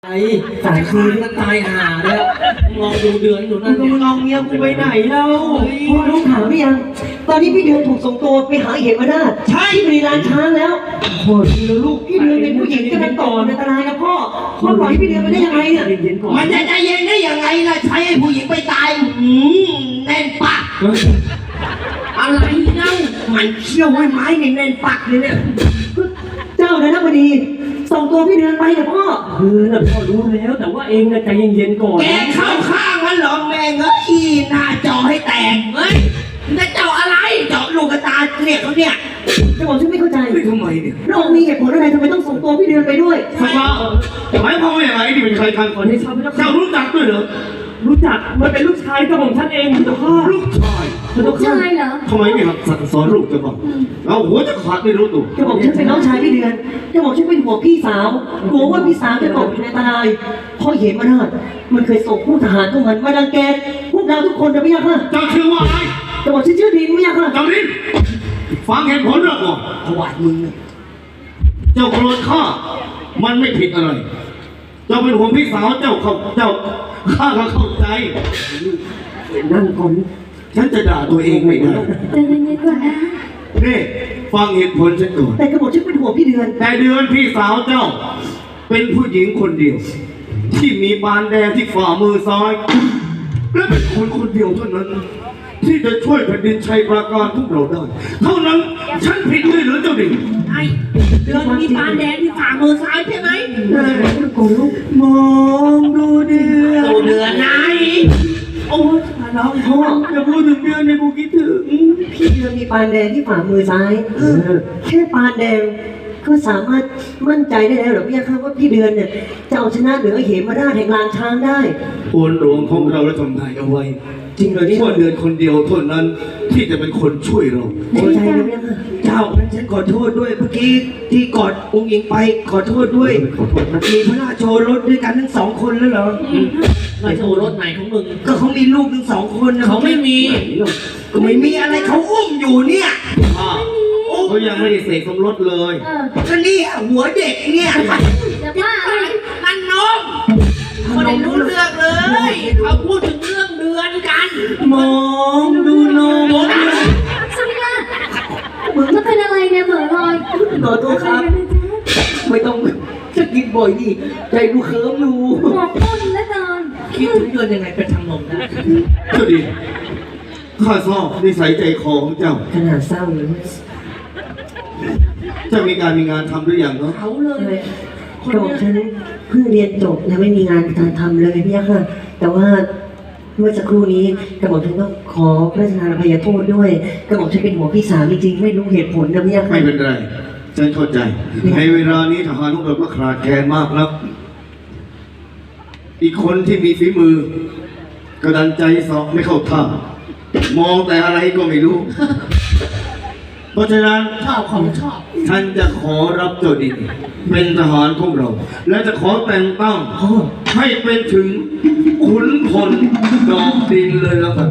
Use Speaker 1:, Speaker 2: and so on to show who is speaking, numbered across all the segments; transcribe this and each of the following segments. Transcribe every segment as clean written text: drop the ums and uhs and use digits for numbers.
Speaker 1: สายคืนก็ตายห่าแล้วลองดูเดือนอยู่นั่น
Speaker 2: มึงลองเมียกูไปไหนแล้วพ่อรู้ข่าวหรือยังตอนนี้พี่เดือนถูกส่งตัวไปหาเหมราชที่บริลานช้างแล้วโอ้ยลูกพี่เดือนเป็นผู้หญิงจะเป็นต่ออันตรายนะพ่อปล่อยพี่เดือนไปได้ยังไงเนี่ย
Speaker 3: มันจะใจเย็นได้ยังไงล่ะใช้ให้ผู้หญิงไปตายแน่นปากอะไรเล่ามันเชี่ยวไว้ไม้แน่นปากเลยเนี่ย
Speaker 2: เจ้านะพอดีส่งตัวพี่เดือนไปเนี่ยพ่อ
Speaker 1: น่ะพ่อรู้แล้วแต่ว่าเองน่ะใจเย็นๆก่อน
Speaker 3: แกเข้าข้างมันเหรอแม่งเอ้ยหน้าจอให้แตกเฮ้ยจะเจาะอะไรเจาะลูกตาเนี่ยเขาเนี่ย
Speaker 2: จะบอกฉันไม่เข้าใจ
Speaker 3: ทำไมเนี่ย
Speaker 2: เรามีเหตุผลอะไรทำไมต้องส่งตัวพี่เดือนไปด้วย
Speaker 4: ทำไมหมายความว่าอย่างไรนี่เป็นใครกัน
Speaker 1: ขอให้ชาวพระเจ้า
Speaker 4: เจ้ารู้จักด้วยเหรอ
Speaker 1: รู้จักมันเป็นลูกชายกระหม่อมฉันเองเจ้าค่ะ
Speaker 4: ลูกชาย
Speaker 5: ลูกชายเหรอ
Speaker 4: ทำไมไม่หัดสั่งสอนลูกเจ้าบ้างเอาหัวจะขาดไม่รู้ตัว
Speaker 2: จะบอกฉันเป็นน้องชายพี่เดือนจะบอกฉันเป็นห่วงพี่สาวกลัวว่าพี่สาวจะตกอยู่ในอันตรายพ่อเหมราชมันเคยส่งผู้ทหารเข้ามันมารังแกพวกเราทุกคนจะไม่ยากค่ะ
Speaker 4: เจ้าชื่อว่าอะไร
Speaker 2: จะบอกฉันชื่อดินไม่ยากค่ะ
Speaker 4: เจ้าลิ้นฟังเหตุผลเราก่อน
Speaker 3: ถวายมึงเนี่ย
Speaker 4: เจ้าโกรธข้ามันไม่ผิดอะไร เจ้าเป็นห่วงพี่สาวเจ้าข้าก็เข้าใจ
Speaker 2: นั่งก่อน
Speaker 4: ฉันจะด่าตัวเองไม่ได้
Speaker 5: ใจเย็นๆก่อนนะ
Speaker 4: นี่ฟังเหตุผลฉันก่อน
Speaker 2: แต่กระบอกฉันเป็นห่วงพี่เดือน
Speaker 4: แต่เดือนพี่สาวเจ้า เป็นผู้หญิงคนเดียว ที่มีบานแดงที่ฝ่ามือซ้าย และเป็นคนคนเดียวเท่านั้น ที่จะช่วยแผ่นดินชัยปราการพวกเราได้ เท่านั้นฉันผิดด้วยหรือเจ้าดิ่ง
Speaker 3: ไอ้เดือนมีปานแดงที่ฝ่ามือซ้ายใช่ไหม
Speaker 2: ก่อนลูก
Speaker 3: มองดูเดือนดูเดือนไหนโอ้ยน้องพ่อ
Speaker 2: จะพูดถึงเดือนในกูคิดถึงพี่เดือนมีปานแดงที่ฝ่ามือซ้ายแค่ปานแดงก็สามารถมั่นใจได้แล้วเหรอพี่ยาค่ะว่าพี่เดือนเนี่ยจะเอาชนะเหนือเหมราชแห่งลานช้างได้
Speaker 4: โอนหลวงของเราและทำนายเอาไว้
Speaker 2: จริงเหรอเนี่ย
Speaker 4: ว่าเดือนคนเดียวเท่านั้นที่จะเป็นคนช่วยเรา
Speaker 2: แน่ใจนะพี่ยาค่ะ
Speaker 3: เจ้านั้นฉันขอโทษด้วยเมื่อกี้ที่กอดองค์หญิงไปขอโทษด้วย
Speaker 4: ขอโทษนะ
Speaker 3: มีพระราชโชรสด้วยกันทั้งสองคนแล้วเหรอ
Speaker 1: มาโชว์รถไหนของมึง
Speaker 3: ก็เขามีลูกทั้งสองคนนะ
Speaker 1: เขาไม่มี
Speaker 3: ก็ไม่มีอะไรเขาอุ้มอยู่เนี่ย
Speaker 4: เขายังไม่ได้เสกสมรสเลย
Speaker 3: ก็เนี่ยหัวเด็กเนี่ย
Speaker 5: จะว่าอะไร
Speaker 3: นั่นนมคนไม่รู้เรื่องเลยเขาพูดถึงเรื่องเดือนกัน
Speaker 2: มองดูนม
Speaker 5: สุริยะมึงจะเป็นอะไรเนี่ยเหม่อลอย
Speaker 2: ขอโทษครับ ไม่ต้องจะกินบ่อยดิใจดูเคิร์มอยู่
Speaker 5: หมอกต้นและนอน
Speaker 3: คิดถึงเดือนยังไงเป็นทางนมได้
Speaker 4: เจ้าดิข้าชอบนิสัยใจคอของเจ้า
Speaker 2: ขนาดเศร้าเลย
Speaker 4: เจ้ามีการมีงานทำหรือยังเนาะ
Speaker 3: เขาเลย
Speaker 2: กระบอกฉันเพิ่งเรียนจบยังไม่มีงานการทำเลยพี่ยาค่ะ แต่ว่าเมื่อสักครู่นี้กระบอกฉันก็ขอพระราชทานอภัยโทษด้วยกระบอกฉันเป็นหัวพี่สาวจริงๆไม่รู้เหตุผลนะพี่ยาค่ะ
Speaker 4: ไม่เป็นไรฉันเข้าใจ ในเวลานี้ทหารของเราก็ขาดแคลนมากแล้ว อีกคนที่มีฝีมือกระดันใจสอบไม่เข้าท่ามองแต่อะไรก็ไม่รู้ เพราะฉะนั้น
Speaker 3: ชอบของชอบ
Speaker 4: ท่านจะขอรับเจ้าดินเป็นทหารของเรา และจะขอแต่งตั้ง
Speaker 2: พ่อ
Speaker 4: ให้เป็นถึงขุนพลดอกดินเลยแล้วกัน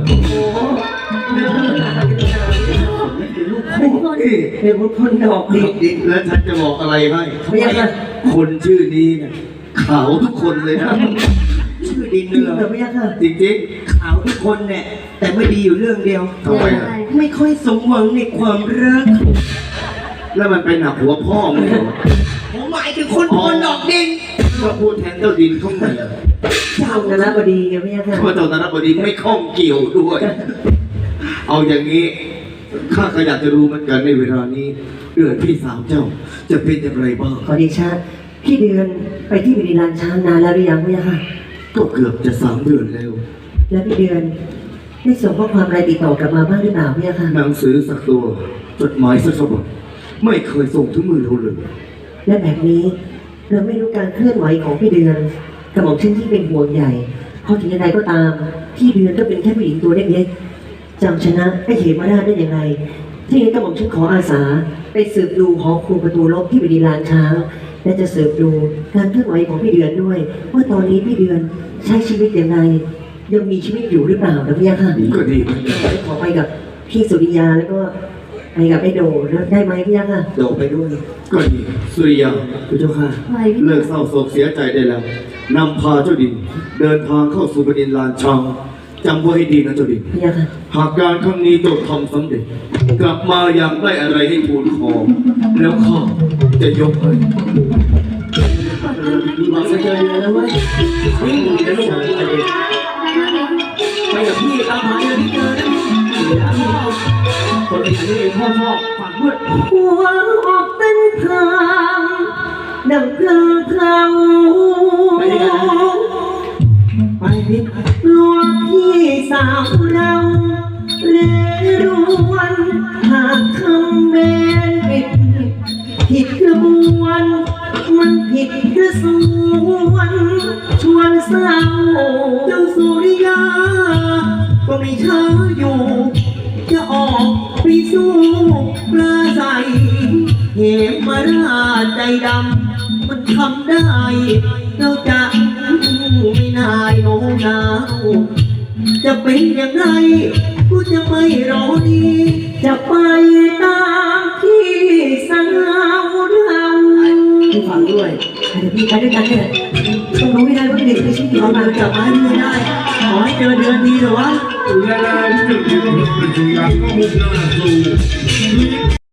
Speaker 2: เป็นคนเป็นคนดอก
Speaker 4: ด
Speaker 2: ดิ
Speaker 4: อกดินและท่านจะบอกอะไรให้
Speaker 2: พี่ยาค่ะ
Speaker 4: คนชื่อนี้เนี่ยขาวทุกคนเลยนะ
Speaker 3: ชื่อดิน
Speaker 2: จริง
Speaker 3: เหรอ
Speaker 2: เหรอพี่ยาค่ะ
Speaker 4: จริง
Speaker 3: ขาวทุกคนเนี่ยแต่ไม่ดีอยู่เรื่องเดียว
Speaker 4: ๆทำไมอะ
Speaker 3: ไม่ค่อยสมหวังในความรัก
Speaker 4: แล้วมันเป็นหนักหัวพ่อมึงเหรอ
Speaker 3: ผมหมายถึงคนคนดอกดิน
Speaker 4: ก็พูดแทนเจ้าดินเข้ามา
Speaker 2: เจ้าคณะบดีไงพี่ยาค่ะ
Speaker 4: เพราะเจ้าธนบดีไม่ข้องเกี่ยวด้วย เอาอย่างนี้ข้าก็อยากจะรู้เหมือนกันในเวลานี้เดือนพี่สาวเจ้าจะเป็นอย่างไรบ้าง
Speaker 2: ขอดีชาพี่เดือนไปที่บริลานช้างนานแล้วหรือยังพี่ยาค่ะ
Speaker 4: ก็เกือบจะ3 เดือนแล้ว
Speaker 2: แล้วพี่เดือนได้ส่งข้อความอะไรติดต่อกลับมาบ้างหรือเปล่าพี่ยาค่ะ
Speaker 4: หนังสือสักตัวจดหมายสักฉบับไม่เคยส่งถึงมือเราเลย
Speaker 2: และแบบนี้เราไม่รู้การเคลื่อนไหวของพี่เดือนกระหม่อมเช่นที่เป็นห่วงใหญ่เพราะถึงยังไงก็ตามพี่เดือนก็เป็นแค่ผู้หญิงตัวเล็กๆจำชนะไอ้เหมราชได้อย่างไรที่นี้กระหม่อมฉันขออาสาไปสืบดูหอครูประตูลบที่บริลานช้างและจะสืบดูการเคลื่อนไหวของพี่เดือนด้วย ว่าตอนนี้พี่เดือนใช้ชีวิตอย่างไรยังมีชีวิตอยู่หรือเปล่านะพี่ยาค่ะ
Speaker 4: ก็ดีเหมือนกัน
Speaker 2: ขอไปกับพี่สุริยาแล้วก็ไปกับไอ้โดนะได้ไหมพี่ยักษ์อ่ะ
Speaker 1: โดดไปด้วย
Speaker 4: ก็ดีสุริยา
Speaker 1: พระเจ้าค่ะ
Speaker 5: ไหวพี่
Speaker 4: เลิกเศร้าโศกเสียใจได้แล้วนำพาเจ้าดิน เดินทางเข้าสู่แผ่นดินลานช้างจำไว้ให้ดีนะเจ้าดิน
Speaker 2: พี่ยักษ์อ่ะ
Speaker 4: หากการครั้งนี้เจ้าทำสำเร็จ กลับมาอย่างได้อะไรให้ทูลขอแล้วข้าจะยกให้
Speaker 1: มีหวังจะเจอเรือแล้วเว้ยวิ่งจะลงไปกับพี่ตามหาเรือที่เจอนะพี่คนเป็นอย่างนี้เองพ่อฝากด้วย
Speaker 2: หัวออกเป็นทางดังเพลิงเพลา
Speaker 1: ไปด้วยกันนะไปพี่
Speaker 2: ลวงพี่สาวเราเรรวนหากคำเบนผิดกระบวนมันผิดกระส่วนชวนเศร้า
Speaker 1: เจ้าสุริยา ก็ไม่ช้าอยู่ จะออกไปสู้ปลาใสเหมมาราชใจดำมันทำได้ เราจะไม่นายโน้มน้าวจะเป็นอย่างไรกูจะไม่รอดี
Speaker 2: จะไปตามพี่สาวเรา
Speaker 1: พี่ฟังด้วย
Speaker 2: เดี๋ยวพี่ไปด้วยกันเนี่ยต้องรู้ให้ได้ว่าพี่เด็กไม่ใช่พี่
Speaker 1: เอา
Speaker 2: เขา
Speaker 1: เรือ
Speaker 2: มา
Speaker 1: กลับมาให้พี่ได้ ขอให้เจอเดือนดีเถอะวะ
Speaker 6: และที่จะมีพระปัญญาก็มุ่งหน้าสู่